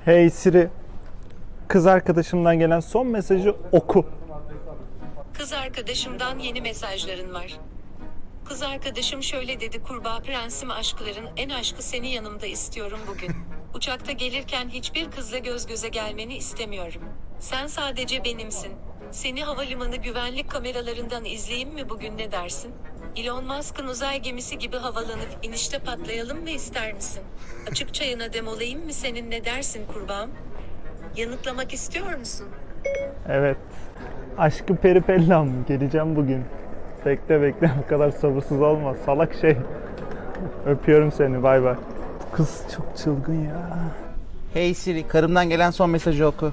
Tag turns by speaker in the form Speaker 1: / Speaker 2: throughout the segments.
Speaker 1: Hey Siri, kız arkadaşımdan gelen son mesajı oku.
Speaker 2: Kız arkadaşımdan yeni mesajların var. Kız arkadaşım şöyle dedi: kurbağa prensim, aşkların en aşkı seni yanımda istiyorum bugün. Uçakta gelirken hiçbir kızla göz göze gelmeni istemiyorum. Sen sadece benimsin. Seni havalimanı güvenlik kameralarından izleyeyim mi bugün, ne dersin? Elon Musk'ın uzay gemisi gibi havalanıp inişte patlayalım mı, ister misin? Açık çayına demolayayım mı senin, ne dersin kurbağam? Yanıtlamak istiyor musun?
Speaker 1: Evet. Aşkı peripellam, geleceğim bugün. Bekle bu kadar sabırsız olma salak şey. Öpüyorum seni, bay bay. Kız çok çılgın ya.
Speaker 3: Hey Siri, karımdan gelen son mesajı oku.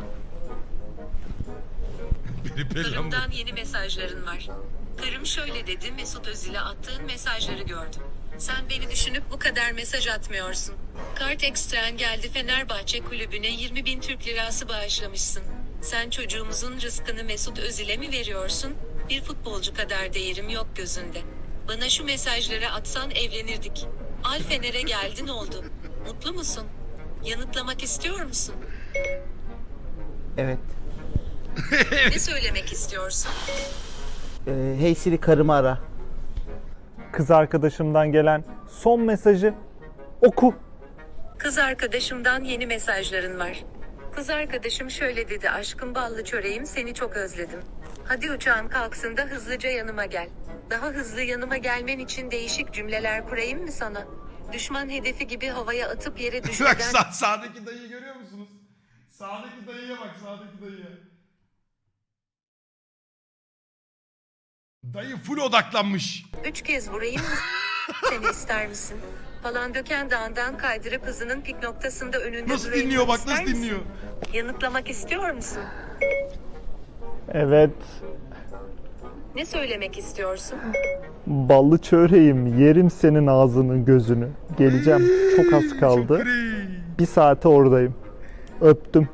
Speaker 2: Karımdan yeni mesajların var. Karım şöyle dedi: Mesut Özil'e attığın mesajları gördüm. Sen beni düşünüp bu kadar mesaj atmıyorsun. Kart ekstren geldi, Fenerbahçe kulübüne 20.000 Türk lirası bağışlamışsın. Sen çocuğumuzun rızkını Mesut Özil'e mi veriyorsun? Bir futbolcu kadar değerim yok gözünde. Bana şu mesajları atsan evlenirdik. Al Fener'e geldin, oldu. Mutlu musun? Yanıtlamak istiyor musun?
Speaker 3: Evet.
Speaker 2: Ne söylemek istiyorsun?
Speaker 3: Hey Siri, karımı ara.
Speaker 1: Kız arkadaşımdan gelen son mesajı oku.
Speaker 2: Kız arkadaşımdan yeni mesajların var. Kız arkadaşım şöyle dedi: aşkım ballı çöreğim, seni çok özledim. Hadi uçağın kalksın da hızlıca yanıma gel. Daha hızlı yanıma gelmen için değişik cümleler kurayım mı sana? Düşman hedefi gibi havaya atıp yere
Speaker 4: Bak
Speaker 2: düşürden...
Speaker 4: sağdaki dayıyı görüyor musunuz? Sağdaki dayıya bak, sağdaki dayıya. Dayı full odaklanmış.
Speaker 2: 3 kez vurayım mı seni, ister misin? Falan döken dağından kaydırıp hızının pik noktasında önünde
Speaker 4: Nasıl
Speaker 2: durayım
Speaker 4: dinliyor
Speaker 2: mı,
Speaker 4: bak,
Speaker 2: ister
Speaker 4: nasıl
Speaker 2: misin?
Speaker 4: dinliyor.
Speaker 2: Yanıtlamak istiyor musun?
Speaker 1: Evet.
Speaker 2: Ne söylemek istiyorsun?
Speaker 1: Ballı çöreğim, yerim senin ağzını gözünü. Geleceğim, çok az kaldı.
Speaker 4: Şükri.
Speaker 1: Bir saate oradayım. Öptüm.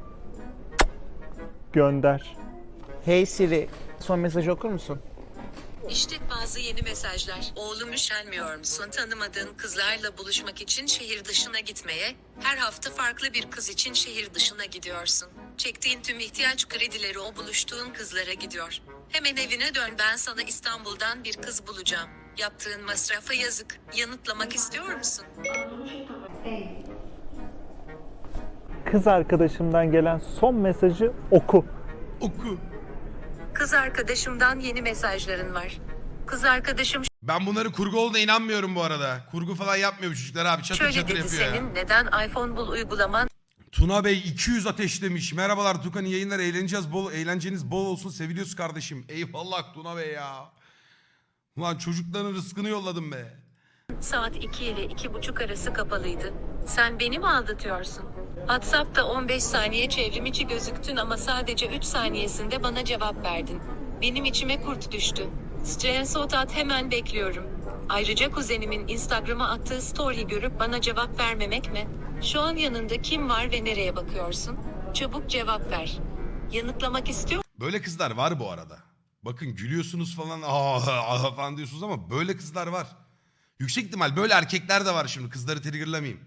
Speaker 1: Gönder.
Speaker 3: Hey Siri, son mesajı okur musun?
Speaker 2: İşte bazı yeni mesajlar. Oğlum, üşenmiyor musun tanımadığın kızlarla buluşmak için şehir dışına gitmeye? Her hafta farklı bir kız için şehir dışına gidiyorsun. Çektiğin tüm ihtiyaç kredileri o buluştuğun kızlara gidiyor. Hemen evine dön, ben sana İstanbul'dan bir kız bulacağım. Yaptığın masrafa yazık. Yanıtlamak istiyor musun?
Speaker 1: Kız arkadaşımdan gelen son mesajı oku.
Speaker 4: Oku.
Speaker 2: Kız arkadaşımdan yeni mesajların var. Kız arkadaşım
Speaker 4: Ben bunları kurgu olduğuna inanmıyorum bu arada. Kurgu falan yapmıyor bu çocuklar abi. Çatır
Speaker 2: şöyle
Speaker 4: çatır
Speaker 2: dedi:
Speaker 4: yapıyor ya.
Speaker 2: senin neden iPhone bul uygulaman
Speaker 4: Tuna Bey 200 ateşlemiş. Merhabalar Tukan, iyi yayınlar. Eğlenceniz bol olsun. Seviliyoruz kardeşim. Eyvallah Tuna Bey ya. Ulan çocukların rızkını yolladım be.
Speaker 2: saat 2 ile 2.30 arası kapalıydı? Sen beni mi aldatıyorsun? WhatsApp'ta 15 saniye çevrim içi gözüktün ama sadece 3 saniyesinde bana cevap verdin. Benim içime kurt düştü. Screenshot at, hemen bekliyorum. Ayrıca kuzenimin Instagram'a attığı story görüp bana cevap vermemek mi? Şu an yanında kim var ve nereye bakıyorsun? Çabuk cevap ver. Yanıtlamak istiyor
Speaker 4: Böyle kızlar var bu arada. Bakın gülüyorsunuz falan falan diyorsunuz ama böyle kızlar var. Yüksek ihtimal böyle erkekler de var şimdi. Kızları triggerlamayayım.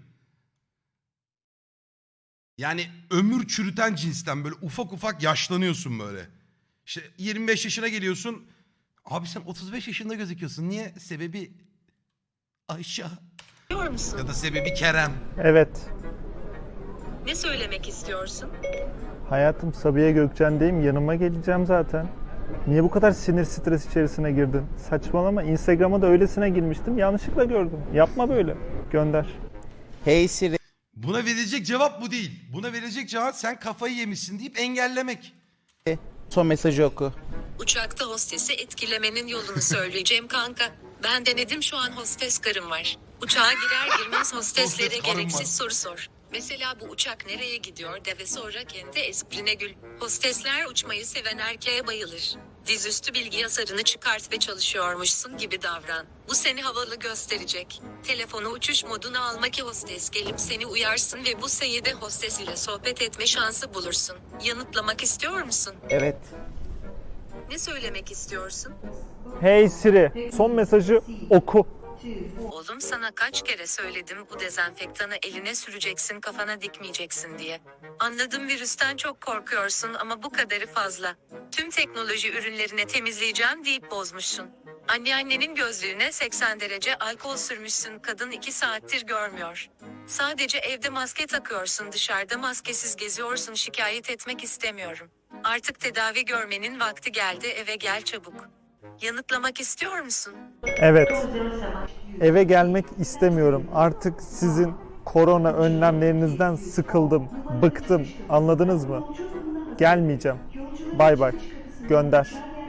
Speaker 4: Yani ömür çürüten cinsten böyle ufak ufak yaşlanıyorsun böyle. İşte 25 yaşına geliyorsun. Abi sen 35 yaşında gözüküyorsun. Niye? Sebebi Ayşe
Speaker 2: musun?
Speaker 4: ya da sebebi Kerem.
Speaker 1: Evet.
Speaker 2: Ne söylemek istiyorsun?
Speaker 1: Hayatım, Sabiha Gökçen'deyim. Yanıma geleceğim zaten. Niye bu kadar sinir stres içerisine girdin? Saçmalama. Instagram'a da öylesine girmiştim. Yanlışlıkla gördüm. Yapma böyle. Gönder.
Speaker 3: Hey Siri,
Speaker 4: Buna verilecek cevap bu değil. Buna verilecek cevap sen kafayı yemişsin deyip engellemek.
Speaker 3: son mesajı oku.
Speaker 2: Uçakta hostesi etkilemenin yolunu söyleyeceğim kanka. Ben denedim, şu an hostes karım var. Uçağa girer girmez hosteslere
Speaker 4: Hostes karım
Speaker 2: gereksiz
Speaker 4: var.
Speaker 2: soru sor. Mesela bu uçak nereye gidiyor de ve sonra kendi esprine gül. Hostesler uçmayı seven erkeğe bayılır. Dizüstü bilgi yasarını çıkart ve çalışıyormuşsun gibi davran. Bu seni havalı gösterecek. Telefonu uçuş moduna alma ki hostes gelip seni uyarsın ve bu sayede hostes ile sohbet etme şansı bulursun. Yanıtlamak istiyor musun?
Speaker 3: Evet.
Speaker 2: Ne söylemek istiyorsun?
Speaker 1: Hey Siri, son mesajı oku.
Speaker 2: Oğlum sana kaç kere söyledim bu dezenfektanı eline süreceksin kafana dikmeyeceksin diye. Anladım virüsten çok korkuyorsun ama bu kadarı fazla. Tüm teknoloji ürünlerine temizleyeceğim deyip bozmuşsun. Anneannenin gözlüğüne 80 derece alkol sürmüşsün kadın 2 saattir görmüyor. Sadece evde maske takıyorsun dışarıda maskesiz geziyorsun şikayet etmek istemiyorum. Artık tedavi görmenin vakti geldi eve gel çabuk. Yanıtlamak istiyor musun?
Speaker 1: Evet. Eve gelmek istemiyorum. Artık sizin korona önlemlerinizden sıkıldım, bıktım. Anladınız mı? Gelmeyeceğim. Bay bay. Gönder.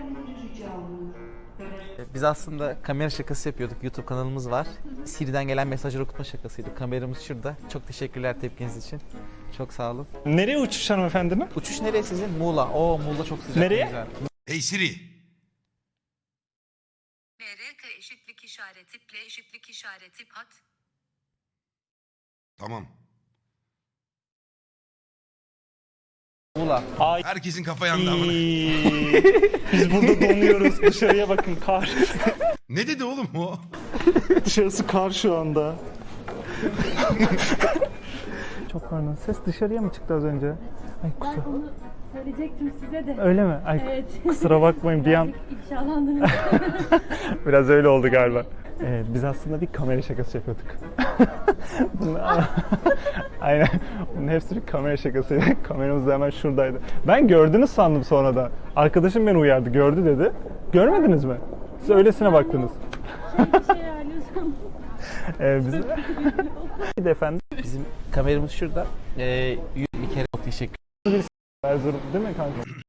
Speaker 3: Biz aslında kamera şakası yapıyorduk. YouTube kanalımız var. Siri'den gelen mesajları okutma şakasıydı. Kameramız şurada. Çok teşekkürler tepkiniz için. Çok sağ olun.
Speaker 1: Nereye uçuş hanımefendinin?
Speaker 3: Uçuş nereye sizin? Muğla. Oo Muğla çok sıcak.
Speaker 1: Nereye?
Speaker 3: Güzel.
Speaker 4: Hey Siri.
Speaker 2: MRK eşitlik işareti ple eşitlik işareti pat.
Speaker 4: Tamam.
Speaker 3: Muğla.
Speaker 4: Herkesin kafa yandı amına.
Speaker 1: Biz burada donuyoruz. Dışarıya bakın kar.
Speaker 4: Ne dedi oğlum o?
Speaker 1: Dışarısı kar şu anda. Çok pardon. Ses dışarıya mı çıktı az önce? Ay
Speaker 5: Ben
Speaker 1: kusura.
Speaker 5: onu söyleyecektim size de.
Speaker 1: Öyle mi? Ay
Speaker 5: Evet.
Speaker 1: kusura bakmayın bir an
Speaker 5: Birazcık ifşalandınız.
Speaker 1: biraz öyle oldu galiba. Biz aslında bir kamera şakası yapıyorduk. Aynen. Bunun hepsi bir kamera şakasıydı. Kameramız da hemen şuradaydı. Ben gördünüz sandım sonra da. Arkadaşım beni uyardı. Gördü dedi. Görmediniz mi? Siz öylesine baktınız.
Speaker 5: Bir şey ayarlıyorsam.
Speaker 1: Bizim... Bir de efendim.
Speaker 3: Bizim kameramız şurada. Bir kere çok teşekkür
Speaker 1: Erzurum değil mi kanka?